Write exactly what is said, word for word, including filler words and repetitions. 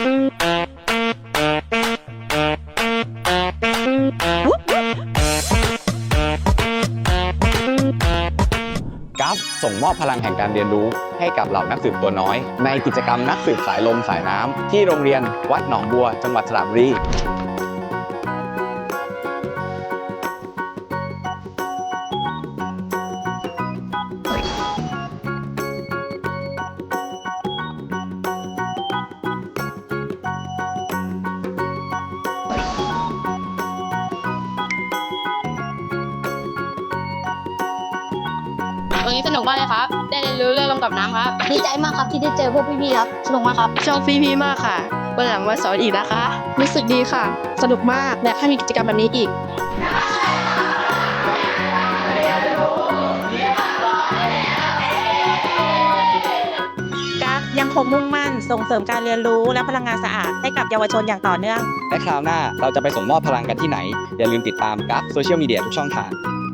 กัฟส่งมอบพลังแห่งการเรียนรู้ให้กับเหล่านักสืบตัวน้อยในกิจกรรมนักสืบสายลมสายน้ำที่โรงเรียนวัดหนองบัวจังหวัดสระบุรีวันนี้สนุกมากเลยครับ ได้เรียนรู้เรื่องลมกับน้ำครับดีใจมากครับที่ได้เจอพวกพี่ๆครับสนุกมากครับชอบพี่ๆมากค่ะวันหลังมาสอนอีกนะคะ รู้สึกดีค่ะ สนุกมากและให้มีกิจกรรมแบบนี้อีกกัฟยังคงมุ่งมั่นส่งเสริมการเรียนรู้และพลังงานสะอาดให้กับเยาวชนอย่างต่อเนื่องและคราวหน้าเราจะไปส่งมอบพลังกันที่ไหนอย่าลืมติดตามกัฟโซเชียลมีเดียทุกช่องทาง